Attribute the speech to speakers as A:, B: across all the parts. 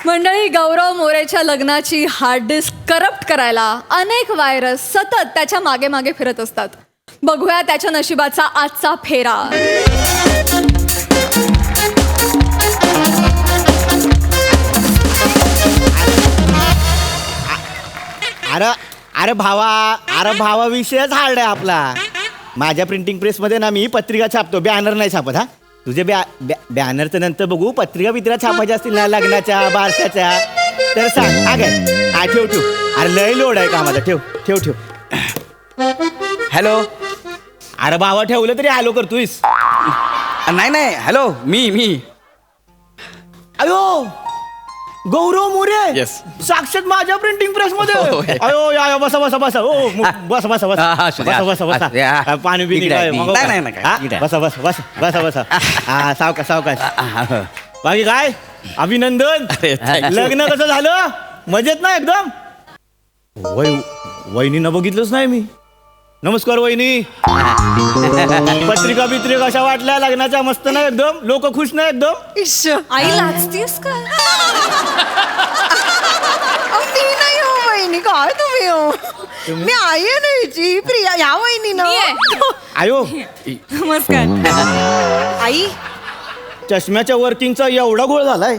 A: मंडळी, गौरव मोरेच्या लग्नाची hard disk corrupt करायला अनेक व्हायरस सतत त्याच्या मागे मागे फिरत असतात. बघूया त्याच्या नशिबाचा आजचा फेरा.
B: अरे अरे भावा विषयच हार्ड आहे आपला. माझ्या प्रिंटिंग प्रेसमध्ये ना मी पत्रिका छापतो, बॅनर नाही छापत. हा तुझे बॅनरचं नंतर बघू. पत्रिका छापायच्या असतील ना लग्नाच्या बारशाच्या तर सांग. हा ठेव ठेव. अरे लय लोड आहे कामाचा. ठेव ठेव ठेव.
C: हॅलो.
B: अरे भावा ठेवलं तरी हॅलो करतोयस.
C: नाही हॅलो. मी
B: अयो गौरव मोरे.
C: Yes.
B: साक्षात माझ्या प्रिंटिंग प्रेस मध्ये.
C: हो, हो.
B: अयो या बसा बसा बसा. ओ बसा बसा बसा बसा बसा. पाणी बिनी काय
C: नाही.
B: बसा बसा बसा बसा बसा. हा सावकाश सावकाश. बाकी काय अभिनंदन. लग्न कसं झालं? मजेत ना एकदम? वहिनीनं बघितलंच नाही मी. नमस्कार वहिनी. पत्रिका बित्रिका कशा वाटल्या लग्नाच्या? मस्त ना एकदम? लोक खुश ना एकदम?
A: आई लाजतीस का?
D: मी नाही हो वहिनी. काय तुम्ही हो? मी आई आहे ना हिची, प्रिया. ह्या वहिनी ना.
B: आयो
A: नमस्कार.
D: आई
B: चष्म्याच्या वर्किंगचा एवढा घोळ झालाय.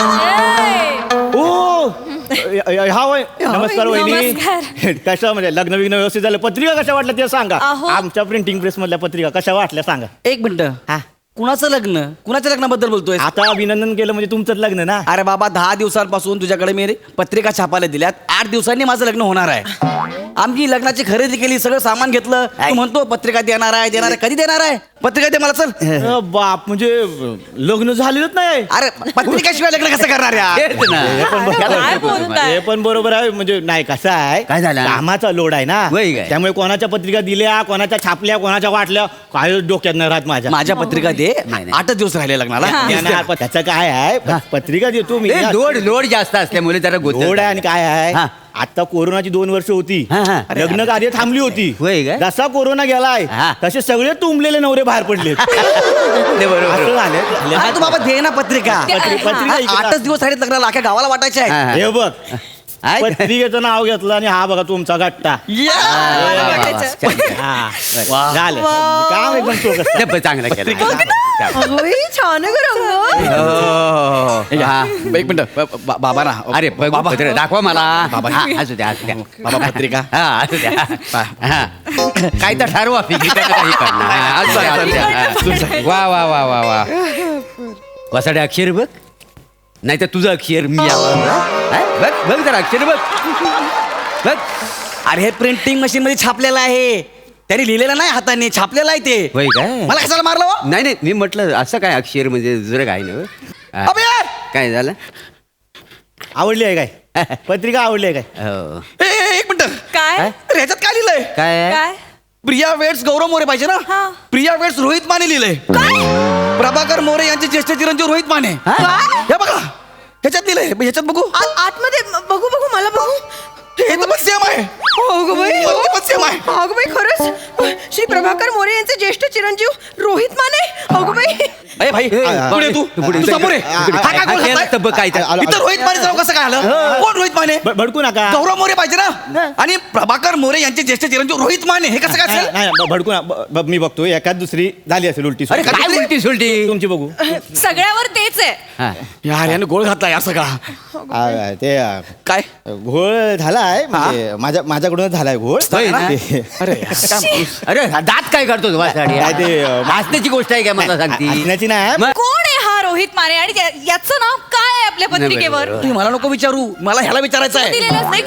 B: ओ हा वय. नमस्कार वहिनी.
A: नमस्कार.
B: कसं म्हणजे लग्न विग्न व्यवस्थित झालं? पत्रिका कशा वाटल्या ते सांगा.
A: अहो.
B: आमच्या प्रिंटिंग प्रेस मधल्या पत्रिका कशा वाटल्या सांगा.
C: एक मिनिट.
B: हा
C: कुणाचं लग्न? कुणाच्या लग्नाबद्दल बोलतोय?
B: आता अभिनंदन केलं म्हणजे तुमचंच लग्न ना.
C: अरे बाबा, 10 दिवसांपासून तुझ्याकडे मी पत्रिका छापायला दिल्यात. 8 दिवसांनी माझं लग्न होणार आहे. आमची लग्नाची खरेदी केली, सगळं सामान घेतलं. तू म्हणतो पत्रिका देणार आहे. कधी देणार आहे? पत्रिका दे मला. चल.
B: बाप म्हणजे लग्न झालेलंच नाही.
C: अरे पत्रिकाशिवाय लग्न कसं करणार यार?
B: हे पण बरोबर आहे. म्हणजे नाही कसं आहे,
C: काय झालं?
B: कामाचा लोड आहे ना.
C: वय काय?
B: त्यामुळे कोणाच्या पत्रिका दिल्या, कोणाच्या छापल्या, कोणाच्या वाटल्या, काय डोक्यात नाही राहत माझ्या.
C: माझ्या पत्रिका दे. 8 दिवस राहिले लग्नाला.
B: त्याचं काय आहे, पत्रिका देतो मी.
E: लोड जास्त असल्यामुळे जरा
B: लोड आहे. आणि काय आहे,
E: हा.
B: आता कोरोनाची 2 वर्ष होती. लग्न कार्य थांबली होती.
E: होय काय?
B: जसा कोरोना गेलाय
E: हा.
B: तसे सगळे तुंबलेले नवरे बाहेर पडले. असं झालं.
C: हा, तू बाबा दे ना पत्रिका.
B: पत्रिका इकडं.
C: 8च दिवस राहिले लग्नाला. अख्या गावाला वाटायचे आहे.
B: हे बघ, पत्रिकेचं नाव घेतलं आणि हा बघा तुमचा गट्टा. हा. झालं काम एकदम चोख.
E: चांगलं केलं.
D: अगोई छान आहे गं रंग.
C: एक मिनिट. बाबा ना.
E: अरे
C: बाबा
E: पत्र दाखवा मला.
C: बाबा.
E: हा, असू द्या असू द्या.
C: बाबा पत्रिका.
E: हा असू द्या. हा. काय तर ठरवा फिकी काही करणार. हा, असू द्या, असू द्या. वा वा वा वा वा. वसाडे अक्षर बघ. नाही तर तुझं अक्षर मी बघ बघ जरा अक्षर बघ बघ.
C: अरे हे प्रिंटिंग मशीन मध्ये छापलेलं आहे. त्यांनी लिहिलेलं नाही, हाताने छापलेलं आहे ते.
E: होय काय?
C: मला कशाला मारलं हो?
E: नाही नाही, मी म्हटलं असं काय अक्षर म्हणजे दुसरं काय ना.
C: अबे यार!
E: काय झालं?
B: आवडली आहे काय पत्रिका? आवडली आहे काय?
E: हो.
C: एक मिनिट.
A: काय?
C: अरे ह्याच्यात काय लिहिलंय?
E: काय आहे?
A: काय?
C: प्रिया वेट्स गौरव मोरे पाहिजे ना.
A: हा.
C: प्रिया वेट्स रोहित माने लिहिलंय. प्रभाकर मोरे यांचे ज्येष्ठ चिरंजीव रोहित माने. हे बघा ह्याच्यात लिहिलंय. ह्याच्यात बघू.
D: आतमध्ये बघू मला बघू.
C: हे तर पण सेम आहे.
D: अगं बाई,
C: पण सेम आहे.
D: अगं बाई खरंच. श्री प्रभाकर मोरे यांचे ज्येष्ठ चिरंजीव रोहित माने. अगं बाई.
C: अरे भाई पुढे तू तू समोर आहे. हा काय गोल घातलाय?
E: तर बघ काय तर.
C: इथं रोहित माने नाव कसं काय आलं? कोण रोहित माने?
B: भडकू नका.
C: गौरव मोरे पाहिजे ना. आणि प्रभाकर मोरे यांचे ज्येष्ठ चिरंजीव रोहित माने. हे कसं काय असेल?
B: नाही भडकू ना. मी बघतो एखाद दुसरी झाली असेल उलटी.
C: अरे,
E: काय उलटी सुलटी?
B: तुमची बघू.
A: सगळ्यावर तेच आहे.
E: हा.
C: यार यानं गोळ घातला यार सगळा.
B: ते
C: काय?
B: घोळ झालाय म्हणजे माझ्याकडूनच झालाय घोळ.
E: होय ना?
B: ते-
C: अरे यार, काय-
E: अरे दात काय करतो तू वासाडी?
B: काय ते,
E: हसण्याची गोष्ट आहे काय मला सांगती?
B: हसण्याची नाही.
E: मग?
A: कोण आहे हा रोहित माने आणि याचं नाव काय आहे आपल्या पत्रिकेवर?
E: बरोबर.
C: तुम्ही मला नको विचारू. मला ह्याला विचारायचं आहे.
A: दिलेलंच नाही.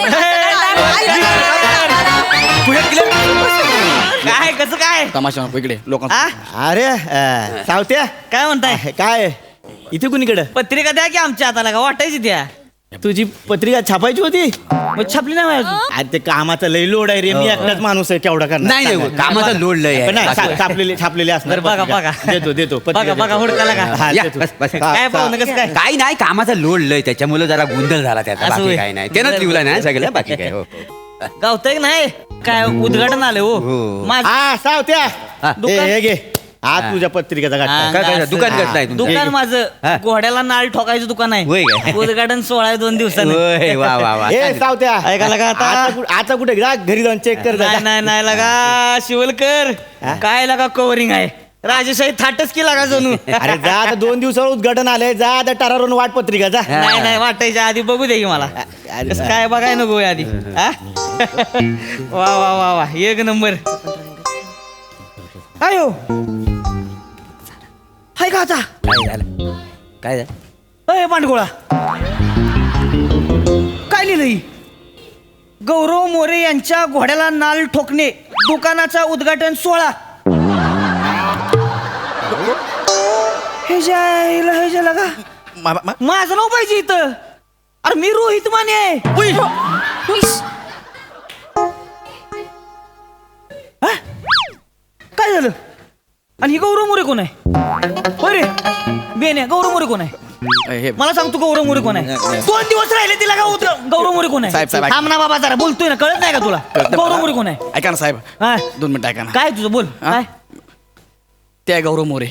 F: काय कसं काय
C: तमाशा नको इकडे लोकांना.
B: अरे सावत्या
F: काय म्हणताय?
B: काय इथे कुणीकडं?
F: पत्रिका द्या की आमच्या हाताला का वाटायची द्या.
B: तुझी पत्रिका छापायची होती?
F: मग छापली नाही माझी अजून.
B: अरे ते कामाचा लय लोड आहे रे. मी एकटाच माणूस आहे केवढा करणार.
E: नाही नाही, कामाचा लोड लय
B: पण नाही,
E: आहे.
B: छापलेले असणार.
F: बरं, बघा,
B: पत्रिका.
F: बघा.
B: देतो
F: बघा, बघा, हुडकाला का?
B: हा,
E: या,
B: देतो.
E: बस, बस.
F: काय पाहुणं कसं काय?
E: काही नाही, कामाचा लोड लय त्याच्यामुळे जरा गोंधळ झाला त्याचा.
F: असं
E: बाकी
F: होय.
E: काय नाही. त्यानंच लिहिला नाही सगळं. बाकी काय. हो.
F: गावतंय की नाही काय उद्घाटन आलं
E: हो.
F: हो माझं
B: हा सावत्या
E: हा.
B: हे घे. आज तुझ्या पत्रिकेचा घाट
E: काय दुकान कसं आहे तुमचं?
F: दुकान
E: हा.
F: माझं घोड्याला नाळ ठोकायचं दुकान
E: होय
F: आहे
E: काय?
F: उद्घाटन 16 आहे 2 दिवसांनी
E: होय, वा वा वा
B: ए सावत्या
F: ऐकायला का आता?
B: आता कुठे जा घरी जाऊन चेक कर जा.
F: नाही लगा शिवलकर काय लगा कव्हरिंग आहे राजेशाही थाटच की लागा जणू
B: अरे जा आता 2 दिवसावर उद्घाटन आलंय जा आता टरारून वाट पत्रिका जा
F: नाही वाटायच्या आधी बघू दे की मला
B: अरे
F: कसं काय बघाय नको आधी हा? वा वा वा वा एक नंबर काय हो हाय का आता
E: काय झालं काय झालं
F: अय पांडगोळा काय लिहिलंय गौरव मोरे यांच्या घोड्याला नाल ठोकणे दुकानाचा उद्घाटन 16 हे जायला लगा माझं नाव पाहिजे इथं अरे मी रोहित माने आहे हा? काय झालं आणि ही गौरव मोरे कोण आहे होय रे बेन आहे गौरव मोरे कोण आहे मला सांग तू गौरव मोरे कोण आहे 2 दिवस राहिले तिला का गौरव मोरे कोण आहे
C: साहेब,
F: थांब ना बाबा जरा बोलतोय ना कळत नाही का तुला गौरव मोरे कोण आहे
C: ऐका ना साहेब
F: हा?
C: 2 मिनिटं ऐका ना
F: काय तुझं बोल काय
C: ते आहे गौरव मोरे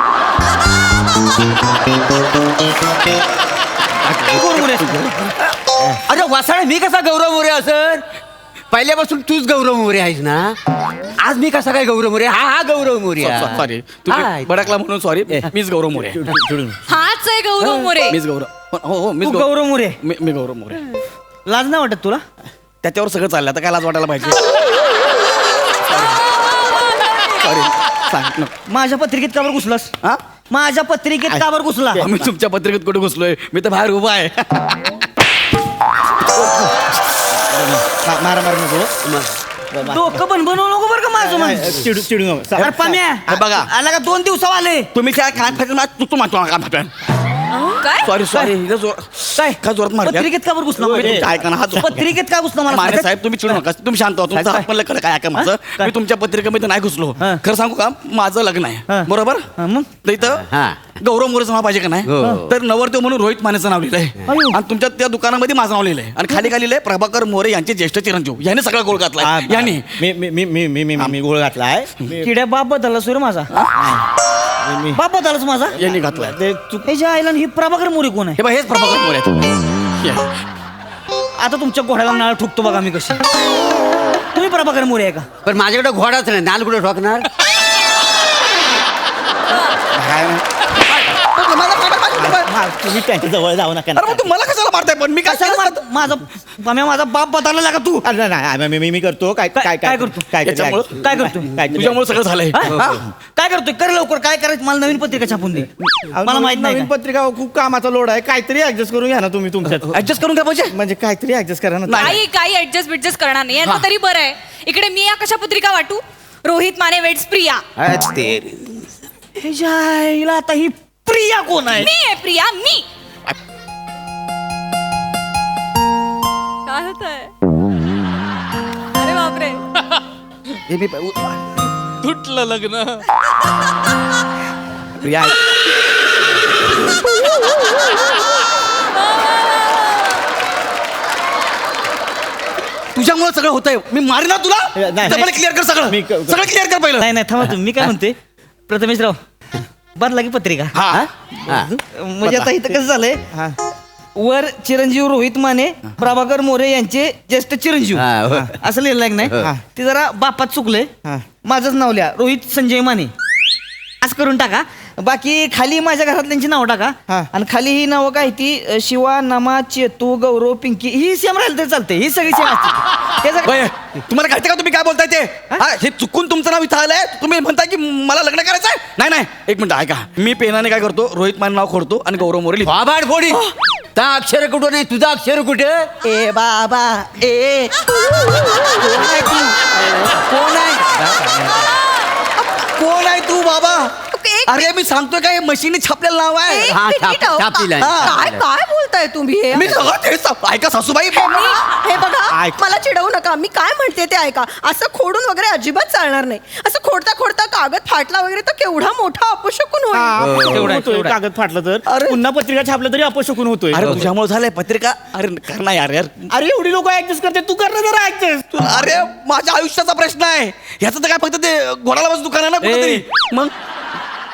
F: गौरव मोरे
E: अरे वासाळे मी कसा गौरव मोरे असर पहिल्यापासून तूच गौरव मोरे आहेस ना आज मी कसा काय गौरव मोरे हा गौरव मोरे आहे.
C: सॉरी
E: हा.
C: तुम्ही भडकला म्हणून सॉरी मीच गौरव मोरे
A: हाच आहे गौरव मोरे
C: मीच गौरव हो मीच
F: तू गौरव मोरे
C: मी गौरव मोरे
F: लाज नाही वाटत तुला
C: त्याच्यावर सगळं चाललं आता काय लाज वाटायला पाहिजे सॉरी सांग नको.
F: माझ्या पत्रिकेत का बरं घुसलास
C: हा
F: माझ्या पत्रिकेत का बरं घुसला
C: मी तुमच्या पत्रिकेत कुठे घुसलोय मी तर बाहेर उभा आहे
B: मारा मार नको
F: डोकं पण बनवू नको बरं का माझं मन
B: चिडू चिडू नको.
F: अरे पाम्या
C: हे बघा.
F: आला का 2 दिवसावर आले
C: तुम्ही काय काय तू मारतो
A: काय
C: सॉरी सॉरी
F: काय
C: काय जोरात मारते?
F: पत्रिकेत का बरं घुसला माझ्या?
C: तुमचं ऐका ना, हात जोरात
F: पत्रिकेत का घुसला मला
C: मारे
F: सांगा?
C: साहेब तुम्ही चिडू नका तुम्ही शांत व्हा तुमचं
F: काय?
C: हात मला काय ऐका माझं
F: काय?
C: मी तुमच्या पत्रिकेमध्ये नाही घुसलो
F: हा.
C: खरं सांगू का माझं लग्न आहे
F: हा.
C: बरोबर
F: हा, मग
C: तर इथं
E: हा.
C: गौरव मोरेचं नाव पाहिजे का नाही
E: हो.
C: तर नवरदेव म्हणून रोहित मानेचं नाव लिहिलंय
F: अयो.
C: आणि तुमच्या त्या दुकानामध्ये माझं नाव लिहिलंय आणि खाली काय लिहिलंय प्रभाकर मोरे यांचे ज्येष्ठ चिरंजीव याने सगळा गोळ
B: हा,
C: घातला यांनी
B: मी मी मी मी मी मी मी गोळ घातलाय
F: किड्या बाप बदलला सूर्य माझा बाप बदललाच माझा
C: यांनी घातलाय
B: ते चुक
F: हे जे आयला ही प्रभाकर मोरे कोण आहे
C: हे बघ हेच प्रभाकर मोरे आहेत
F: आता तुमच्या घोड्याला नाळ ठोकतो बघा मी कशी तुम्ही प्रभाकर मोरे आहे का
E: पण माझ्याकडे घोडाच नाही नाल कुठे ठोकणार
B: तुम्ही त्यांच्या जवळ जाऊ नका
C: अरे मग तू मला कशाला मारताय पण मी काय
F: कशाला मारतो? माझा बाप बदलला का तू
B: अरे नाही, मी करतो काय
F: काय- काय करतो?
C: याच्यामुळं-
F: काय करतो?
C: तुझ्यामुळे सगळं झालंय
F: हा?
C: हा?
F: काय करतोय कर लवकर काय करायचं मला नवीन पत्रिका छापून दे मला माहित नाही
B: नवीन
F: का?
B: पत्रिका खूप कामाचा लोड आहे काहीतरी ऍडजस्ट करून घ्या ना तुम्ही तुमच्यात
C: ऍडजस्ट करून काय पाहिजे
B: म्हणजे काहीतरी ऍडजस्ट करा ना
A: काही काही ऍडजस्ट बिडजस्ट करणार नाही यांचं तरी बरं आहे इकडे मी या कशा पत्रिका वाटू रोहित माने वेट्स प्रिया
F: हे जायला आता ही प्रिया कोण आहे
A: मी आहे प्रिया मी काय होत आहे अरे बापरे
C: तुटलं लग्न तुझ्यामुळे सगळं होतंय मी मारी ना तुला
B: नाही.
C: तर मला क्लिअर कर सगळं
B: मी क-
C: सगळं क्लिअर कर पहिलं
F: नाही नाही थांबा तुम्ही मी काय म्हणते प्रथमेशराव बदला की पत्रिका
C: हा
F: म्हणजे आता इथं कसं झालंय
B: हा.
F: वर चिरंजीव रोहित माने प्रभाकर मोरे यांचे ज्येष्ठ चिरंजीव
E: हा, हो.
F: असं लिहिलं आहे की
B: हा.
F: नाही ते जरा बापात चुकलंय
B: हा.
F: माझंच नाव लिहा रोहित संजय माने असं करून टाका बाकी खाली माझ्या घरातल्यांची नावं टाका
B: हा.
F: आणि खाली ही नावं काय ती शिवा नमा चेतू गौरव पिंकी ही सेम राहिलं तरी चालते ही सगळी सेम असते त्याचं
C: बय, तुम्हाला कळतं का तुम्ही काय बोलताय ते हा, हे चुकून तुमचं नाव इथं आलंय तुम्ही म्हणताय की मला लग्न करायचंय नाही नाही एक मिनिट ऐका मी पेनाने काय करतो रोहित मान नाव खोडतो आणि गौरव मोरे लिहितो.
E: बाबाड फोडी त्या अक्षर कुठं नाही तुझा अक्षर कुठे
F: ए बाबा ए कोण आहे तू? कोण आहे कोण आहे तू बाबा अरे मी सांगतोय काय मशीने छापलेलं नाव आहे
D: एक
E: हा,
D: मिनिट,
E: छाप- छाप दिलाय.
D: काय काय बोलताय तुम्ही हे
C: मी सगळं तेच ऐका सासूबाई
D: हे बघा
B: ऐक.
D: मला चिडवू नका मी काय म्हणते ते ऐका असं खोडून वगैरे अजिबात चालणार नाही असं खोडता खोडता कागद फाटला वगैरे तर केवढा मोठा अपशकून होईल
F: तेवढं आहे,
B: होतोय,
F: तेवढं आहे.
B: कागद फाटलं तर
C: अरे.
B: पुन्हा पत्रिका छापलं तरी अपशकून होतोय
C: अरे तुझ्यामुळे झालंय पत्रिका अरे कर ना यार यार
B: अरे एवढी लोक ऍडजस्ट करते तू कर ना जरा ऍडजस्ट
C: तू अरे माझ्या आयुष्याचा प्रश्न आहे ह्याचं तर काय फक्त ते घोडाला बस दुकान आहे ना कुठेतरी मग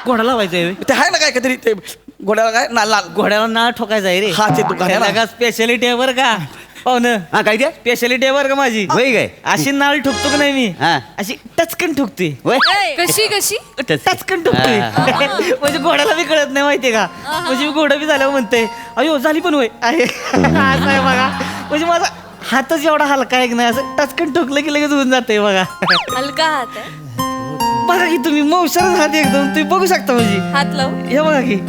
F: घोडा लावायचा आहे
C: ते आहे ना काय काहीतरी ते घोड्याला काय नाल
F: घोड्याला नाळ ठोकायचा आहे रे
C: हा, ते दुकान आहे ना.
F: का स्पेशालिटी आहे बरं का पाहुणं
E: हा काय ते
F: स्पेशालिटी आहे बरं का माझी
E: होय काय
F: अशी नाळ ठोकतो का नाही मी
E: हा.
F: अशी टचकन ठोकते
E: होय
A: कशी कशी
F: टचकन ठोकते म्हणजे घोड्याला बी कळत नाही माहितीये का म्हणजे मी घोडा बी झाल्यावर म्हणते अयो झाली पण होय आहे असं आहे बघा म्हणजे माझा हातच एवढा हलका आहे की नाही असं टचकन ठोकलं की लगेच होऊन जाते बघा
A: हलका हात आहे
F: बघा की तुम्ही मौशारच हात एकदम तुम्ही बघू शकता म्हणजे
A: हात लाव
F: हे बघा की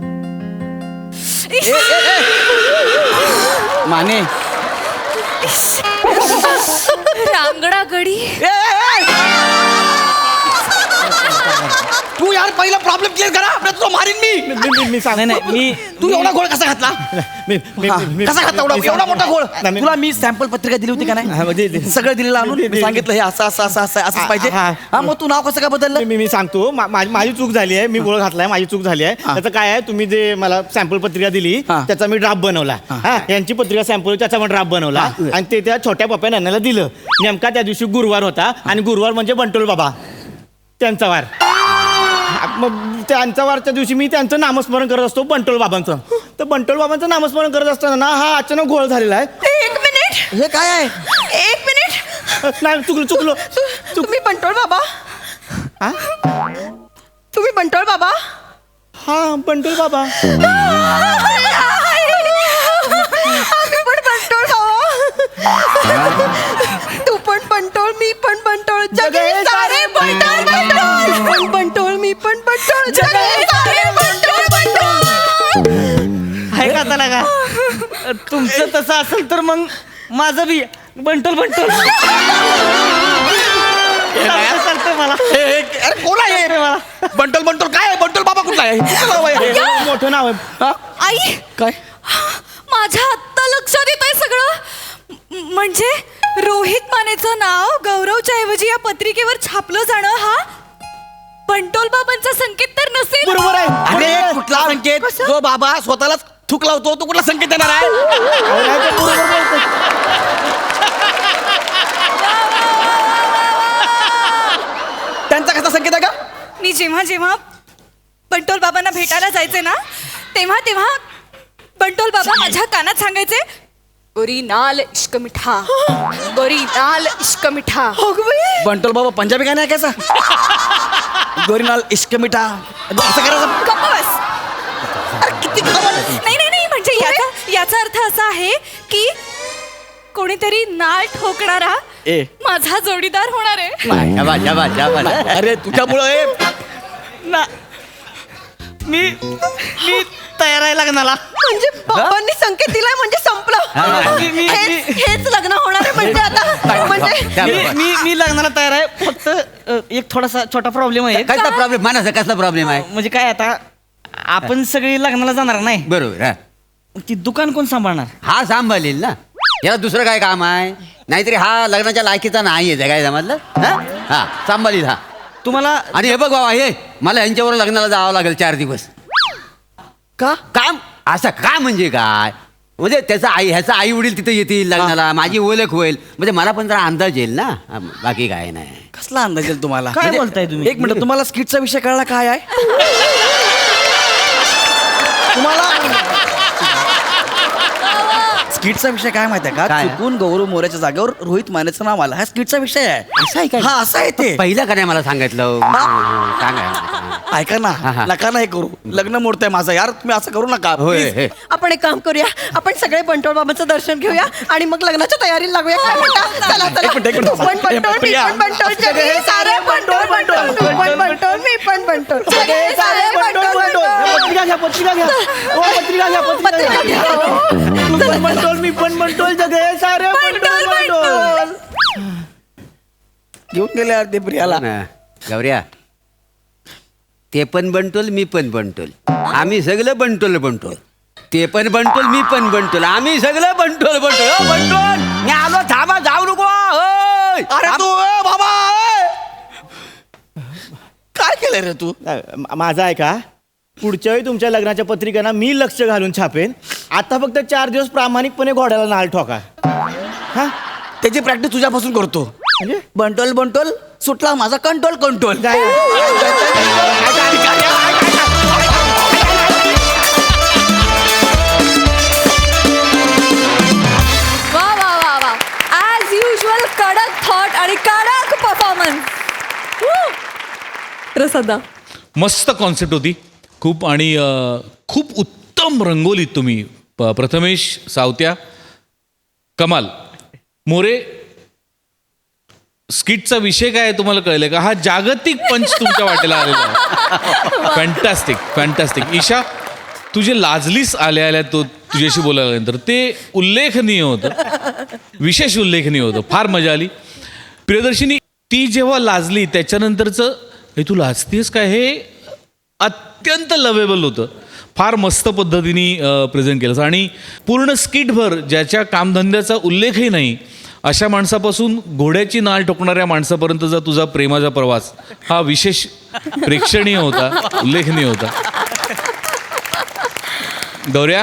C: माने
A: रांगडा गडी
C: तू यार पहिला प्रॉब्लेम क्लिअर करा आपल्या तो मारीन मी
F: नाही नाही मी
C: तू एवढा गोळ कसा घातला कसा घातला एवढा मोठा गोळ तुला मी सॅम्पल पत्रिका दिली होती का नाही सगळं दिलेलं आणून मी सांगितलं हे असं असं असं असं असंच पाहिजे हा मग तू नाव कसं काय बदललं
B: मी सांगतो माझी चूक झाली आहे मी गोळ घातलाय माझी चूक झाली आहे त्याचं काय आहे तुम्ही जे मला सॅम्पल पत्रिका दिली
C: हा.
B: त्याचा मी ड्राफ्ट बनवला हा यांची पत्रिका सॅम्पल त्याचा पण ड्राफ्ट बनवला आणि ते त्या छोट्या पप्प्या नानाला दिलं नेमका त्या दिवशी गुरुवार होता आणि गुरुवार म्हणजे बंटोल बाबा त्यांचा वार मग त्यांचा वारच्या दिवशी मी त्यांचं नामस्मरण करत असतो बंटोल बाबांचं तर बंटोल बाबांचं नामस्मरण करत असताना ना हा अचानक घोळ झालेला आहे
D: एक मिनिट
C: हे काय आहे
D: एक मिनिट
B: नाही चुकलो
D: तुम्ही बंटोळ बाबा
B: हा
D: तुम्ही बंटोळ बाबा
B: हा बंटोल बाबा
D: आम्ही पण बंटोळ बाबा तू पण बंटोळ मी पण बंटोळ जगे सारे बंटोळ बंटोळ पण बंटोळ मी पण बंटोळ जगे सारे बंटोळ बंटोळ
F: आहे का त्याला का तुमचं तसं असेल तर मग माझं बी बंटोल बंटोल चालतंय मला
C: अरे कोण आहे
F: मला
C: बंटल बंटल काय आहे बंटल बाबा कुठला आहे कुठलं नाव आहे हे?
B: मोठं नाव आहे
C: हा?
A: आई
C: काय
A: माझ्या आत्ता लक्षात येत आहे सगळं म्हणजे रोहित मानेचं नाव गौरवच्या ऐवजी या पत्रिकेवर छापलं जाणं हा बंटोल बाबांचा संकेत तर नसेल
B: बरोबर आहे
C: अरे कुठला संकेत जो बाबा स्वतःलाच थूक लावतो तो कुठला संकेत देणार आहे त्यांचा कसा संकेत आहे का
A: मी जेव्हा जेव्हा बंटोल बाबांना भेटायला जायचे ना तेव्हा तेव्हा बंटोल बाबा माझ्या कानात सांगायचे गोरी नाल इश्क मिठा गोरी नाल इश्क मिठा
C: बंटल बाबा पंजाबी गाणं आहे कैसा गोरीनाल इश्क मिठा असं करायचं
A: गप्प बस. नाही नाही नाही म्हणजे याचा अर्थ असा आहे की कोणीतरी नाळ ठोकणारा
C: ए.
A: माझा जोडीदार होणार आहे
E: शाबास, शाबास, शाबास.
C: अरे तुझ्यामुळं
F: ना मी तयार आहे लग्नाला
D: म्हणजे बाबांनी संकेत दिलाय म्हणजे संपलं हेच लग्न होणार आहे म्हणजे आता म्हणजे
F: मी लग्नाला तयार आहे फक्त एक थोडासा छोटा प्रॉब्लेम आहे
E: कसला प्रॉब्लेम मानाचा कसला प्रॉब्लेम आहे
F: म्हणजे काय आता आपण सगळी लग्नाला जाणार नाही
E: बरोबर हा
F: ती दुकान कोण सांभाळणार
E: हा सांभाळेल ना याला दुसरं काय काम आहे नाहीतरी हा लग्नाच्या लायकीचा नाही आहे काय समजलं हा हा सांभाळील हा
F: तुम्हाला
E: आणि हे बघ बाबा हे मला यांच्यावर लग्नाला जावं लागेल 4 दिवस
C: का
E: काम असं का म्हणजे काय म्हणजे त्याचा ह्याचा आई वडील तिथे येतील लग्नाला माझी ओळख होईल म्हणजे मला पण जरा अंदाज येईल ना बाकी काय नाही
C: कसला अंदाज येईल तुम्हाला
F: काय
C: म्हणजे-
F: बोलताय तुम्ही?
C: एक मिनिट तुम्हाला स्किटचा विषय कळला काय आहे तुम्हाला स्किटचा विषय काय माहिती आहे का
E: काय?
C: चुकून गौरव मोऱ्याच्या जागेवर रोहित मानेचं नाव आलं हा स्किटचा विषय आहे
E: असं आहे काय?
C: हा असं आहे ते
E: पहिलं का नाही मला सांगितलं सांगा
C: ऐका ना
E: हा.
C: नका नाही करू लग्न मोडतंय माझं यार तुम्ही असं करू नका
E: होय
C: please.
E: हे.
D: आपण एक काम करूया आपण सगळे बंटोळ बाबांचं दर्शन घेऊया आणि मग लग्नाच्या तयारीला लागूया काय म्हणता चला चला
C: एक मिनिट.
D: पण बंटोळ मी
C: प्रिया.
D: पण बंटोळ जगे सारे बंटोळ बंटोळ तू पण बंटोळ मी पण बंटोळ जगे सारे बंटोळ बंटोळ
B: पत्रिका घ्या पत्रिका घ्या ओ, पत्रिका घ्या पत्रिका घ्या तू पण बंटोल मी पण बंटोल जगे सारे बंटोल बंटोल
C: घेऊन गेले यार ते प्रियाला
E: ना, गौऱ्या ते पण बनटोल मी पण बनटोल आम्ही सगळं बनटोल बनटोल ते पण बनटोल मी पण बनटोल आम्ही सगळं बनटोल बनटोल ओ, बनटोल मी आलो थांबा जाऊ नको होय.
C: अरे तू बाबा काय केलं रे तू
B: माझा आहे का पुढच्या वेळी तुमच्या लग्नाच्या पत्रिकांना मी लक्ष घालून छापेन आता फक्त 4 दिवस प्रामाणिकपणे घोड्याला नाल ठोका हा
C: त्याची प्रॅक्टिस तुझ्यापासून करतो
B: म्हणजे
C: बंटोल बंटोल सुटला माझा कंट्रोल कंट्रोल
B: काय
D: प्रसादा.
G: मस्त कॉन्सेप्ट होती खूप. आणि खूप उत्तम रंगोलीत तुम्ही. प्रथमेश, सावत्या, कमाल. मोरे, स्किटचा विषय काय आहे तुम्हाला कळलंय का? हा जागतिक पंच तुमच्या वाटेला आलेला आहे. Fantastic fantastic. ईशा, तुझे लाजलीस आल्या तो तुझ्याशी बोलायला नंतर ते उल्लेखनीय होतं, विशेष उल्लेखनीय होतं. फार मजा आली. प्रियदर्शिनी, ती जेव्हा लाजली त्याच्यानंतरचं हे तू लाजतीस काय, हे अत्यंत लवेबल होतं. फार मस्त पद्धतीने प्रेझेंट केलं. आणि पूर्ण स्किटभर ज्याच्या कामधंद्याचा उल्लेखही नाही अशा माणसापासून घोड्याची नाल ठोकणाऱ्या माणसापर्यंतचा तुझा प्रेमाचा प्रवास हा विशेष प्रेक्षणीय होता, उल्लेखनीय होता. गौऱ्या,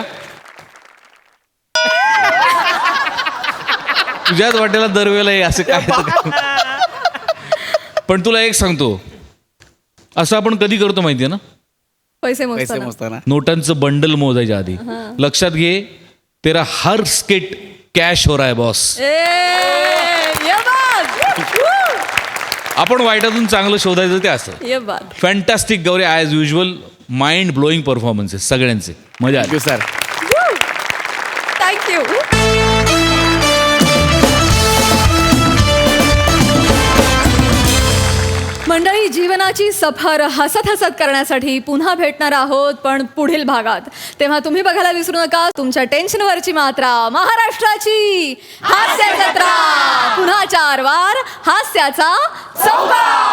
G: तुझ्याच वाटेला दरवेळेला हे असं काय. पण तुला एक सांगतो, असं आपण कधी करतो माहितीये ना?
D: पैसे
C: पैसे
D: मोजताना.
C: मोजताना
G: नोटांचं बंडल मोजायच्या आधी. लक्षात घे, तेरा हर स्किट कॅश हो रहा है बॉस.
D: ये बात.
G: आपण वाईटातून चांगलं शोधायचं ते असं.
D: ये बात.
G: Fantastic Gauri, as usual mind blowing performances सगळ्यांचे. मजा आली.
C: Thank you sir.
D: थँक्यू. मंडळी, जीवनाची सफर हसत हसत करण्यासाठी पुन्हा भेटणार आहोत, पण पुढील भागात. तेव्हा तुम्ही बघायला विसरू नका तुमच्या टेन्शनवरची मात्रा, महाराष्ट्राची हास्य जत्रा. पुन्हा 4 वार हास्याचा चौकार.